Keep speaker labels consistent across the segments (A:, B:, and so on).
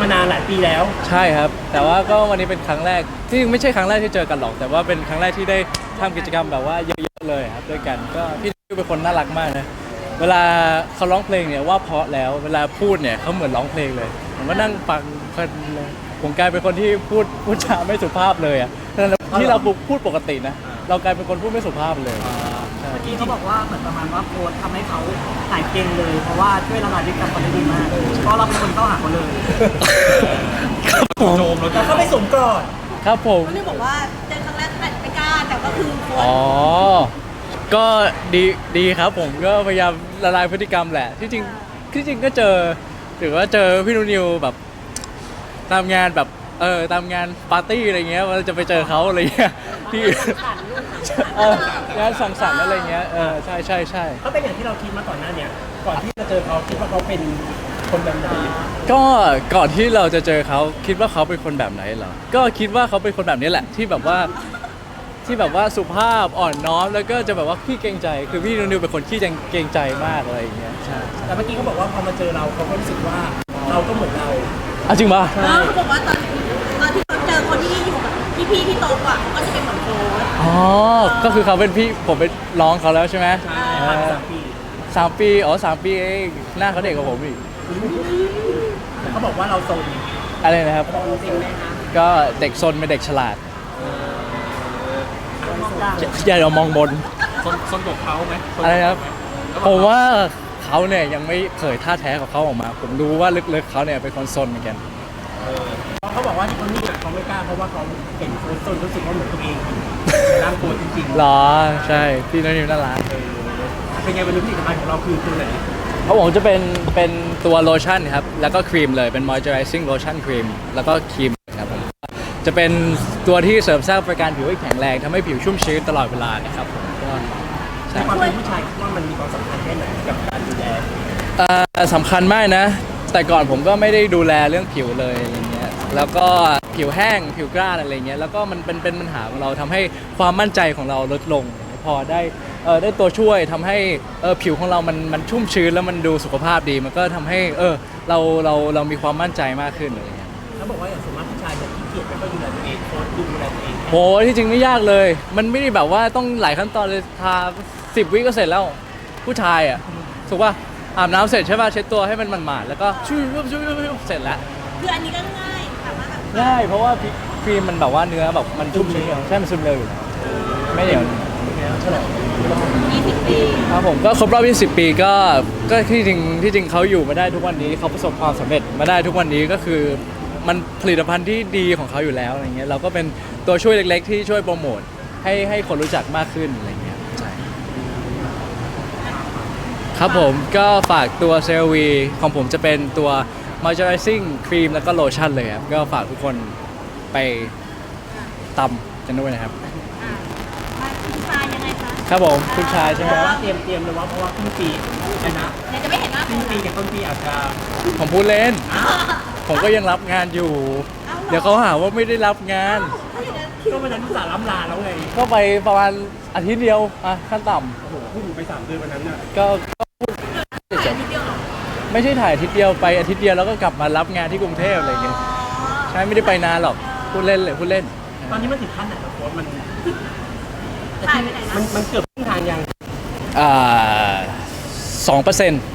A: มานานหลายปีแล้ว
B: ใช่ครับแต่ว่าก็วันนี้เป็นครั้งแรกที่ไม่ใช่ครั้งแรกที่เจอกันหรอกแต่ว่าเป็นครั้งแรกที่ได้ทำกิจกรรมแบบว่าเยอะๆเลยครับด้วยกันก็พี่นิวเป็นคนน่ารักมากนะเวลาเขาร้องเพลงเนี่ยว่าเพราะแล้วเวลาพูดเนี่ยเขาเหมือนร้องเพลงเลยผมก็นั่งฟังเพลินเลยผมกลายเป็นคนที่พูดจาไม่สุภาพเลยอ่ะที่เราพูดปกตินะเรากลายเป็นคนพูดไม่สุภาพเลย
C: เมื่อกี้เขาบอกว่าเหมือนประมาณว่าโค้ชทำให้เขาหายเก่งเลยเพราะว่าช่วยละลายพฤติกรรมคนได้ดีมากเพราะเราเป็นคนเข้าหาเขาเลย
A: โจมเราเข้าไปสวมกอด
B: ครับผม
D: เขาเลยบอกว่าเจอครั้งแรกไม่กล้าแต่ก็คือคน
B: อ๋อก็ดีครับผมก็พยายามละลายพฤติกรรมแหละที่จริงก็เจอหรือว่าเจอพี่นิวแบบตามงานแบบตามงานปาร์ตี้อะไรเงี้ยเราจะไปเจอเขาอะไรเงี้ยที่งานสังสรรค์อะไรเงี้ยใช่
A: เขาเป็นอย่างที่เราคิดมาก่อนหน้านี้ก่อนที่จะเจอเขาคิดว่าเขาเป็นคนแบบไหน
B: ก็ก่อนที่เราจะเจอเขาคิดว่าเขาเป็นคนแบบไหนเหรอก็คิดว่าเขาเป็นคนแบบนี้แหละที่แบบว่าสุภาพอ่อนน้อมแล้วก็จะแบบว่าขี้เกรงใจคือพี่นิวเป็นคนขี้เกรงใจมากอะไรอย่างเงี้ยใช่
A: แต่เมื่อกี้เขาบอกว่าพอมาเจอเราเขาก็รู้สึกว่าเราก็เหมือนเรา
B: จริงป่ะ
D: เขาบอกว่าตอนที่เขาเจอคนที่อยู่กับพี่ที่โตกว่าเขาก็จะเป็นเหมือนโค้ช
B: อ๋อก็คือเขาเป็นพี่ผมเป็นน้องเขาแล้วใช่ไหม
A: ใช่
B: 3 ปี3 ปีเองหน้าเขาเด็กกว่าผมอีก
A: เขาบอกว่าเราโซน
B: อะไรนะครับ
A: จริงไหมคะ
B: ก็เด็กซนเป็นเด็กฉลาดอย่าเรามองบน
A: ซนกับเขาไหม
B: อะไรครับผมว่าเขาเนี่ยยังไม่เผยท่าแท้ของเขาออกมาผมรู้ว่าลึกๆเขาเนี่ยเป็นคนซนเหมือนกัน
A: เขาบอกว่าที่เขานี่เขาไม่กล้าเพราะว่าเขาเห็นโค้ชซนรู้สึกว่าเหมือนตัวเองร่างโค้ชจริง
B: ๆหรอใช่พี่นิวน่ารัก
A: เป็นไงวันนี้ผลิตภัณฑ์ของเราคือตัวไหน
B: เขาบอกจะเป็นตัวโลชั่นครับแล้วก็ครีมเลยเป็น moisturizing lotion ครีมแล้วก็ครีมครับผมจะเป็นตัวที่เสริมสร้างประการผิวให้แข็งแรงทำให้ผิวชุ่มชื้นตลอดเวลานะครับผมก็
A: ใช่ความเป็นผู้ชายว่ามันมีความสำคัญแค่ไหนกับการดูแล
B: สำคัญมากนะแต่ก่อนผมก็ไม่ได้ดูแลเรื่องผิวเลยอะไรเงี้ยแล้วก็ผิวแห้งผิวกร้านอะไรเงี้ยแล้วก็มันเป็นปัญหาของเราทำให้ความมั่นใจของเราลดลงพอได้ตัวช่วยทำให้ผิวของเรามันชุ่มชื้นแล้วมันดูสุขภาพดีมันก็ทำให้เรามีความมั่นใจมากขึ้นอะไรเงี้ย
A: เขาบอกว่าอย่างสมมติผู้ชายจะขี้เกียจไม่ค่อยดูแลตัวเองโค้ชดูแลตัวเอง
B: โหที่จริงไม่ยากเลยมันไม่ได้แบบว่าต้องหลายขั้นตอนเลยทา10 วิก็เสร็จแล้วผู้ชายอ่ะถูกป่ะอาบน้ำเสร็จใช่ป่ะเช็ดตัวให้มันหมาดๆแล้วก็ชุ่มเสร็จแล้ว
D: คืออันนี้ก็ง่ายสามารถ
B: ง่ายเพราะว่าครีมมันแบบว่าเนื้อแบบมันชุ่มชื้นใช่มันซึมเร็วอยู่ไม่เหนียว
D: 20 ปี
B: ครับผมก็ครบรอบ20 ปีก็ที่จริงเขาอยู่มาได้ทุกวันนี้เขาประสบความสำเร็จมาได้ทุกวันนี้ก็คือมันผลิตภัณฑ์ที่ดีของเขาอยู่แล้วอะไรเงี้ยเราก็เป็นตัวช่วยเล็กๆที่ช่วยโปรโมทให้คนรู้จักมากขึ้นอะไรเงี้ยใช่ครับผมก็ฝากตัวเซรวีของผมจะเป็นตัว moisturizing ครีมแล้วก็โลชั่นเลยครับก็ฝากทุกคนไปตำกันด้วยนะครับ
D: คุณชายยังไงคะ
B: ครับผมคุณชายใช่ไหม
A: ว่าเตรียมเลยว่าเพราะว่าครึ่งปีนะ
D: จะไม่เห็นหน้า
A: ครึ่งปีกับต้นปีอาจจะ
B: ผมพูดเล่นผมก็ยังรับงานอยู่เดี๋ยวเขาหาว่าไม่ได้รับงาน
A: ก็วันนั้นอุตส่าห์ล้ำลาแล้วไง
B: ก็ไปประมาณอาทิตย์เดียวขั้นต่
A: ำโอ้โหพูดไป3 เดือนวันนั้นน่ะ
B: ก็พูดไม่ใช่ถ่ายอาทิตย์เดียวไปอาทิตย์เดียวแล้วก็กลับมารับงานที่กรุงเทพอะไรอย่างเงี้ยใช่ไม่ได้ไปนานหรอกพูดเล่น
A: ตอนนี้มันถึงขั้นไหนครับโค้ชมัน
D: ถ่ายไปไหนนะ
A: มันเกือบครึ่งทางยัง
B: 2%2%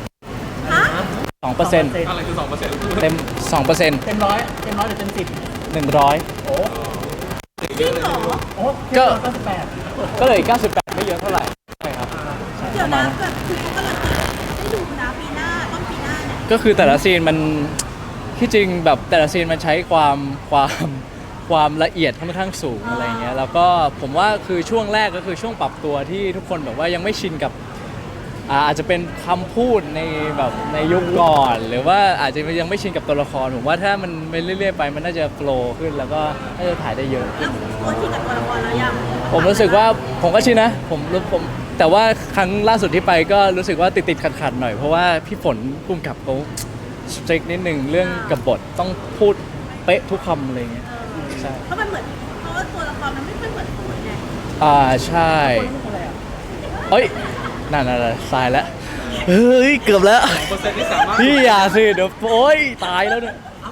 A: อะไรคือ2%
B: เต็ม2%
A: เต็มร้อยหรือเต็ม10
B: 100
A: โอ้
D: จริงเหรอ
A: โอ้
B: ก็เลย98ไม่เยอะเท่าไหร่ใช่ครับ
D: เดี๋ยวนะแบบคือเขากำลังให้ดูนะปีหน้าต้นปีหน้าเนี่ย
B: ก็คือแต่ละซีนมันที่จริงแบบแต่ละซีนมันใช้ความละเอียดค่อนข้างสูงอะไรเงี้ยแล้วก็ผมว่าคือช่วงแรกก็คือช่วงปรับตัวที่ทุกคนแบบว่ายังไม่ชินกับอาจจะเป็นคำพูดในแบบในยุคก่อนหรือว่าอาจจะยังไม่ชินกับตัวละครผมว่าถ้ามันไปเรื่อยๆไปมันน่าจะโฟลว์ขึ้นแล้วก็น่าจะถ่ายได้เยอะ
D: แล้วตัวชินกับตัวละครแล้วยัง
B: ผมรู้สึกว่าผมก็ชินนะผมแต่ว่าครั้งล่าสุดที่ไปก็รู้สึกว่าติดขัดหน่อยเพราะว่าพี่ฝนพุ่มกับเขาสตริกนิดนึงเรื่องกับบทต้องพูดเป๊ะทุกคำอะไรเงี้ยใช่
D: เพราะมันเหมือนเพราะว่าตัวละครมันไม่ค่อยเหมือนคนไง
B: ใช่เอ้ยนั่นสายแล้วเฮ้ยเกือบแล้วพี่อย่าสิเดี๋ยวโอ๊ยตายแล้วเนี่ย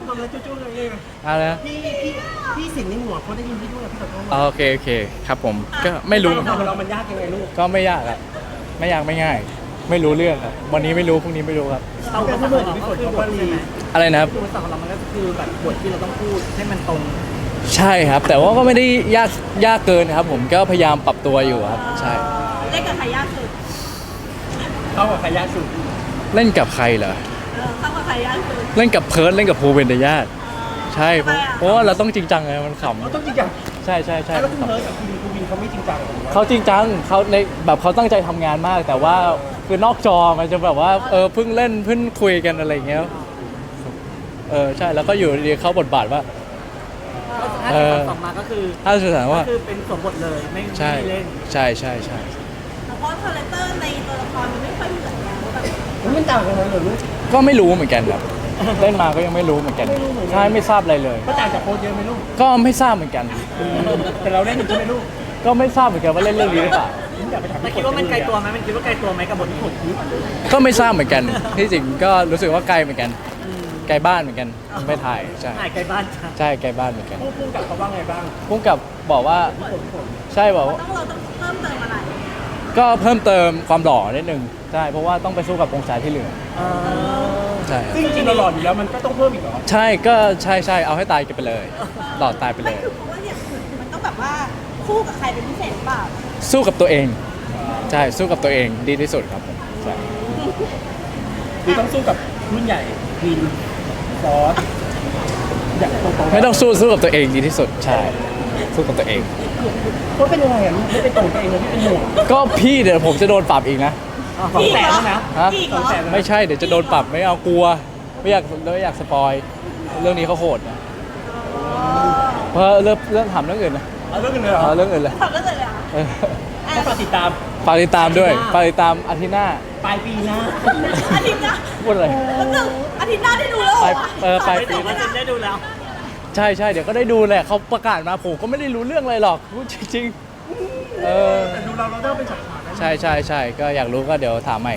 A: ทำแล้วจุ๊ๆเลย
B: อะไรนะ
A: พี่สิ่งในหัวเขาได้ยินพี่ด้วยพี่ขอโทษ
B: โอเคโอเคครับผมก็ไม่รู้
A: เรามันยากยังไงลูก
B: ก็ไม่ยากครับไม่ยากไม่ง่าย ไม่รู้เรื่องครับวันนี้ไม่รู้พรุ่งนี้ไม่รู้ครับ
C: เราเป็นผู้บทของเราก็คือบทใช่ไหม
B: อะไรนะครับ
C: คือภาษาของเรามันก็คือแบบบทที่เราต้องพูดให้มันตรง
B: ใช่ครับ แต่ว่าก็ไม่ได้ยากเกินครับ ผมก็พยายามปรับตัวอยู่ครับใช่
D: เล่นกับใครยากสุด
A: เข้ากับใครยากสุด
B: เล่นกับใครเหรอ
D: เข้ากับใครยากสุด
B: เล่นกับเพิร์ดเล่นกับภูเบนเดญาติใช่เพราะ
D: ทำไมอะ
B: เพราะว่าเราต้องจริงจังไงมันข
A: เราต้องจริงจัง
B: ำใช่ใช่ใช่
A: แล้วคุณเพิร์ดกับคุณวินเขาไม่จริงจังหรอ
B: เขาจริงจังเขาในแบบเขาตั้งใจทำงานมาก แต่ว่าคือนอกจอมันจะแบบว่าเพิ่งเล่นเพิ่งคุยกันอะไรอย่างเงี้ยใช่แล้วก็อยู่ดีเข้าบทบาทว่า
C: ถ้าจะตัดต่อมาก็คือ
B: ถ้าสื่อสารว่า
C: ก็คือเป็นสวมบทเลยไม่
B: ใช่
C: เล่น
B: ใช่ใช่ใช่
D: เพราะคาแรคเตอร์ในตัวละครมันไม่ค่อยเหมือนกันแบบ
A: มันต่างกันเลยเหรอลูก
B: ก็ไม่รู้เหมือนกันครับเล่นมาก็ยังไม่รู้เหมือนกันใช่ไม่ทราบอะไรเลย
A: มันต่างจากโค้ชเยอะไหมลูก
B: ก็ไม่ทราบเหมือนกัน
A: แต่เราเล่นอยู่ใช่ไหมลูก
B: ก็ไม่ทราบเหมือนกันว่าเล่นเรื่องนี้หรือเปล่า
A: ผมอยากไปถาม
C: แต่
A: พี่
C: คิดว่ามันไกลตัวไหมมันคิดว่าไกลตัวไหมกับบทที่ผม
B: ก็ไม่ทราบเหมือนกันที่จริงก็รู้สึกว่าไกลเหมือนกันไกลบ้านเหมือนกันไม่ถ่ายใช่
C: ถ่ายไกลบ้านจ้ะ
B: ใช่ไกลบ้านเหมือนกัน
A: พูดกับเขาว่าไงบ้าง
B: พุ่งกับบอกว่าใช่บอกว่า
D: เราต้องเพิ่มเติมอะไร
B: ก็เพิ่มเติมความหล่อนิดนึงใช่เพราะว่าต้องไปสู้กับองศาที่เหลือใช่ครับ
A: ซึ่งจริงๆเราหล่ออยู่แล้วมันก็ต้องเพิ่มอีกเหรอ
B: ใช่ก็ใช่ใช่เอาให้ตายกันไปเลยหล่อตายไปเล
D: ไม่
B: ย
D: คือเพราะว่าเนี่ยมันต้องแบบว่าคู่กับใครเป็นพิเศษหรือเปล่า
B: สู้กับตัวเองใช่สู้กับตัวเองดีที่สุดครับผมใช่
A: คือต้องสู้กับรุ่นใหญ่วินฟอสอยากตรงๆ
B: ไม่ต้องสู้กับตัวเองดีที่สุดใช่สู้กับตัวเอง
A: เพราะเป็นยังไงอ่ะลูกไม่เป็นตรงตัวเองเลยที่เป็นห่วง
B: ก็พี่เดี๋ยวผมจะโดนปรับอีกนะ
A: สองแสนนะ
B: ฮะ
D: อีกเหรอ
A: 200,000นะ
B: ไม่ใช่เดี๋ยวจะโดนปรับไม่เอากลัวไม่อยากสปอยเรื่องนี้เขาโหดนะเพราะเรื่องถามเรื่องอื่นนะ
A: เอาเรื่องกันเลยเหรอ
B: เอาเรื่องอื่นเลย
D: ทำได้เลยอ่ะ
B: เออ
A: ก็ฝากติดตาม
B: ฝากติดตามด้วยฝากติดตามอาทิตย์หน้า
A: ปลายปีหน้า
D: อาทิตย์หน้า
B: พูดอะไร
D: แล้วนึงอาทิตย์หน้าได้ดูแล้วเหรอวะ
B: ไป
C: ไม่ถึงว่าจะได้ดูแล้ว
B: ใช่ใช่เดี๋ยวก็ได้ดูแหละเขาประกาศมาผมก็ไม่ได้รู้เรื่องอะไรหรอกพูดจริงๆ
A: แต่ดูเราต้องเป็นฉากๆนะ
B: ใช่ใช่ใช่ก็อยากรู้ก็เดี๋ยวถามใหม่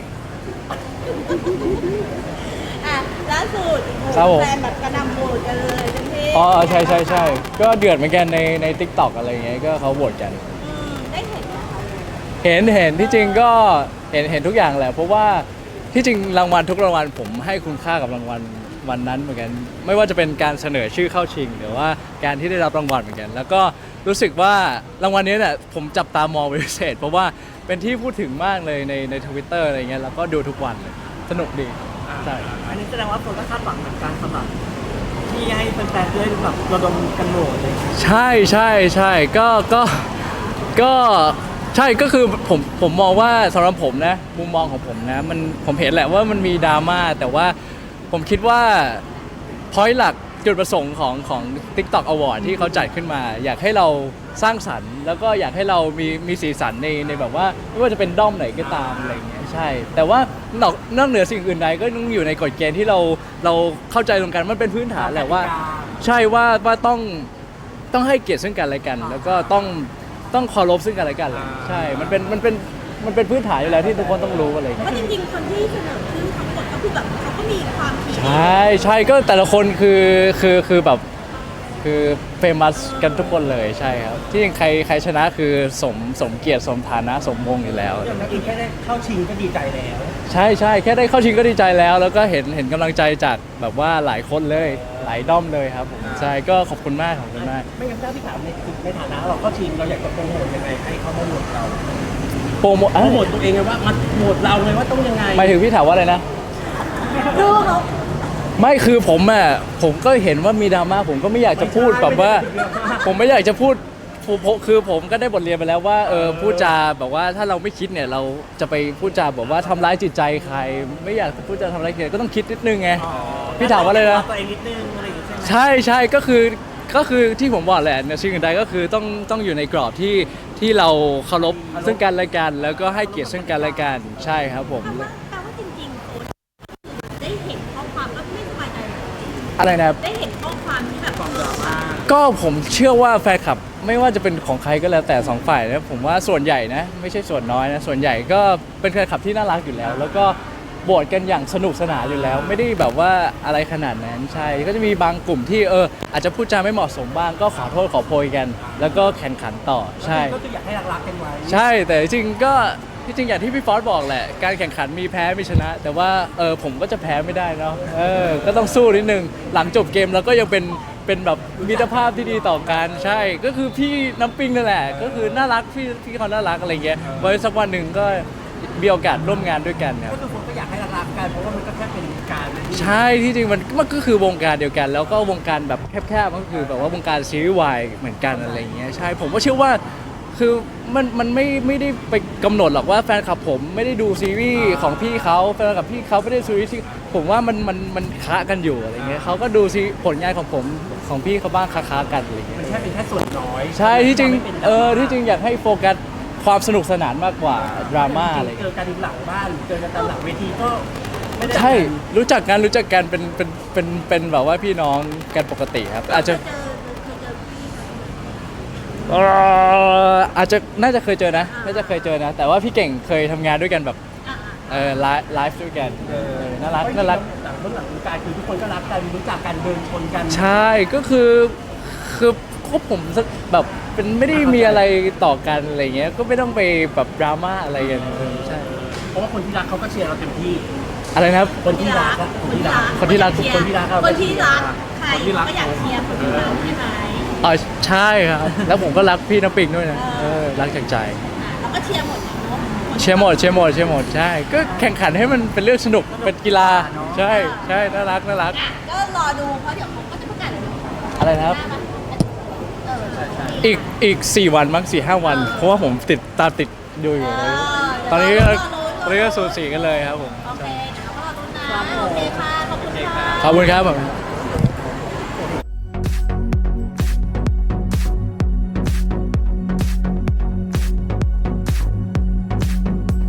D: อ่ะล่าสุด
B: ครับผม
D: แฟนแบบกระหนำโหวตกันเลยเต็มที่
B: อ๋อใช่ใช่ใช่ก็เดือดเหมือนกันใน TikTok อะไรอย่างเงี้ยก็เขาโหวตกัน
D: ได้เห็นไหมคะ
B: เห็นที่จริงก็เห็นทุกอย่างแหละเพราะว่าที่จริงรางวัลทุกรางวัลผมให้คุณค่ากับรางวัลวันนั้นเหมือนกัน ไม่ว่าจะเป็นการเสนอชื่อเข้าชิง หรือว่าการที่ได้รับรางวัลเหมือนกัน แล้วก็รู้สึกว่ารางวัลนี้เนี่ยผมจับตามองเป็นพิเศษ เพราะว่าเป็นที่พูดถึงมากเลยใน Twitter อะไรเงี้ยแล้วก็ดูทุกวันเลยสนุกดีใช่
C: อันนี้แสดงว่าคนก็คาดหวังเหมือนกันสำหรับที่ให้แฟนๆได้แบบระดมกันโหวตเลย
B: ใช่ใช่ใช่ก็ใช่ก็คือผมมองว่าสำหรับผมนะมุมมองของผมนะผมเห็นแหละว่ามันมีดราม่าแต่ว่าผมคิดว่าพอยต์หลักจุดประสงค์ของ TikTok Award ที่เขาจัดขึ้นมา อยากให้เราสร้างสรรค์แล้วก็อยากให้เรามีสีสันในแบบว่าไม่ว่าจะเป็นด้อมไหนก็ตามอะไรอย่างเงี้ยใช่ แต่ว่านอกเหนือสิ่งอื่นใดก็ต้องอยู่ในกฎเกณฑ์ที่เราเข้าใจตรงกันมันเป็นพื้นฐานแหละว่า ใช่ว่าต้องให้เกียรติซึ่งกันและกัน แล้วก็ต้องเคารพซึ่งกันและกันเลยใช่ มันเป็นพื้นฐานอยู่แล้วที่ทุกคนต้องรู้อะไรอย่าง
D: เพ
B: เงี้ย
D: ราะจริงๆคนที่เสนอชื่อทั้งหมดก็คือแบบเขาก็มีความคิด
B: ใช่ก็แต่ละคนคือแบบคือเฟมัสกันทุกคนเลยใช่ครับที่จริงใครชนะคือสมเกียรติสมฐานะสมมงอยู่แล้ว
A: อย่างนักเองแค่ได้เข้าชิงก็ดีใจแล้ว
B: ใช่แค่ได้เข้าชิงก็ดีใจแล้ว แล้วก็เห็นกำลังใจจากแบบว่าหลายคนเลยหลายด้อมเลยครับผมใช่ก็ขอบคุณมาก
A: ไม่งั้นถ้าพี่ถามในฐานะเราเข้าชิงเราอยากจะโปรโมทยังไงให้เขามาโหวตเรา
B: โปรโมท
A: โปรโมทตัวเองไงว่ามาโหวตเราไงว่าต้องยังไง
B: หมายถึงพี่ถามว่าอะไรนะ
D: ดูเขา
B: ไม่คือผมก็เห็นว่ามีดราม่าผมก็ไม่อยากจะพูดแบบว่า ผมไม่อยากจะพูดคือผมก็ได้บทเรียนไปแล้วว่าพูดจาแบบว่าถ้าเราไม่คิดเนี่ยเราจะไปพูดจาแบบว่าทำร้ายจิตใจใคร ไม่อยากพูดจาทำร้ายใครก็ต้องคิดนิดนึงไง พี่ถามว่าอะไรนะ
C: ตัวเองนิดนึงอะไรอย่างเงี้ยใช่ไหม
B: ใช่ก็คือที่ผมบอกแหละในสิ่งอื่นใดก็คือต้องอยู่ในกรอบที่เราเคารพซึ่งกันและกัน แล้วก็ให้เกียรติซึ่งกันและกันใช่ครับผม
D: แปลว่าจริงๆโค้ชได้เห็นข้อความก็ไม่สบายใจเหรอ
B: อะไรนะครับ
D: ได้เห็นข้อความที่แบบความดราม่า
B: ก็ผมเชื่อว่าแฟนคลับไม่ว่าจะเป็นของใครก็แล้วแต่สองฝ่ายนะผมว่าส่วนใหญ่นะไม่ใช่ส่วนน้อยนะส่วนใหญ่ก็เป็นแฟนคลับที่น่ารักอยู่แล้ว แล้วก็โหวตกันอย่างสนุกสนานอยู่แล้ว ไม่ได้แบบว่าอะไรขนาดนั้นใช่ก็จะมีบางกลุ่มที่อาจจะพูดจาไม่เหมาะสมบ้างก็ขอโทษขอโพยกัน แล้วก็แข่งขันต่อใช่
A: ก็คืออยากให้รักๆกันไว้
B: ใช่แต่จริงๆก็ที่จริงอย่างที่พี่ฟอสบอกแหละการแข่งขันมีแพ้มีชนะ แต่ว่าผมก็จะแพ้ไม่ได้เนาะก็ต้องสู้นิดนึงหลังจบเกมแล้วก็ยังเป็นแบบมิตรภาพที่ดีต่อกันใช่ก็คือพี่น้ำปิงนั่นแหละก็คือน่ารักพี่เขาน่ารักอะไรเงี้ยไว้สักวันหนึ่งก็มีโอกาสร่วมงานด้วยกันครับ
A: ก็คือคนก็อยากให้รักๆกันเพราะว่ามันก็แค่เป็นการ
B: ใช่ที่จริงมันก็คือวงการเดียวกัน แล้วก็วงการแบบแคบๆก็คือแบบว่าวงการซีรีส์วายเหมือนกันอะไรเงี้ยใช่ผมก็เชื่อว่าคือมันไม่ได้ไปกำหนดหรอกว่าแฟนคลับผมไม่ได้ดูซีรีส์ของพี่เขาแฟนคลับพี่เขาไม่ได้ดูซีรีส์ที่ผมว่ามันค้ากันอยู่อะไรเงี้ยเขาก็ดูซีผลงานของผมของพี่เขาบ้างค้ากันอะไรเงี้ย
A: มันแค่เป็นแค่ส่วนน้อย
B: ใช่ที่จริง
A: ไม่เป็น
B: ที่จริงอยากให้โฟกัสความสนุกสนานมากกว่าดราม่าอะไร
A: เจ
B: เงี้ย
A: อกันหลังบ้านหรือเจอกันตามหลังเวทีก็ไม่ได้
B: ใช่รู้จักกันเป็นแบบว่าพี่น้องกันปกติครับอาจจะ อาจจะน่าจะเคยเจอนะแต่ว่าพี่เก่งเคยทำงานด้วยกันแบบไลฟ์ด้วยกันน่ารัก
A: หลังเบื้องหลังวงการคือทุกคนก็รักกันรู้จักกันเดินชนกัน
B: ใช่ก็คือก็ผมแบบเป็นไม่ได้มีอะไรต่อกันอะไรเงี้ยก็ไม่ต้องไปแบบดราม่าอะไรกันใช่
A: เพราะว่าคนที่รักเขาก็เชียร์เราเต็มที่
B: อะไรนะครับ
A: คนที่รักอะคนที่รัก
B: คนที่รัก
A: คนที่รักเรา
D: คนที่รักใคร
A: คนที่รัก
D: ก็อยากเชียร์คนที่รักใช่ไหม
B: อ๋อใช่ครับแล้วผมก็รักพี่น้ำปิงด้วยนะรักจากใจ
D: เราก็เชียร์หมดเนาะ
B: เชียร์หมดใช่ก็แข่งขันให้มันเป็นเรื่องสนุกเป็นกีฬาใช่น่ารัก
D: ก็รอดูเพราะเดี๋ยวเขาก็จะประกาศเลย
B: อะไรนะครับอีก4 วันมั้ง4-5 วัน เพราะว่าผมตามติดดูอยู่เลยตอนนี้ก็สูสีกันเลยครับผม
D: โอเคเดี๋ยวเราก็รอดูนะโอเคค่ะขอบคุณค่ะ
B: ขอบคุณครับผม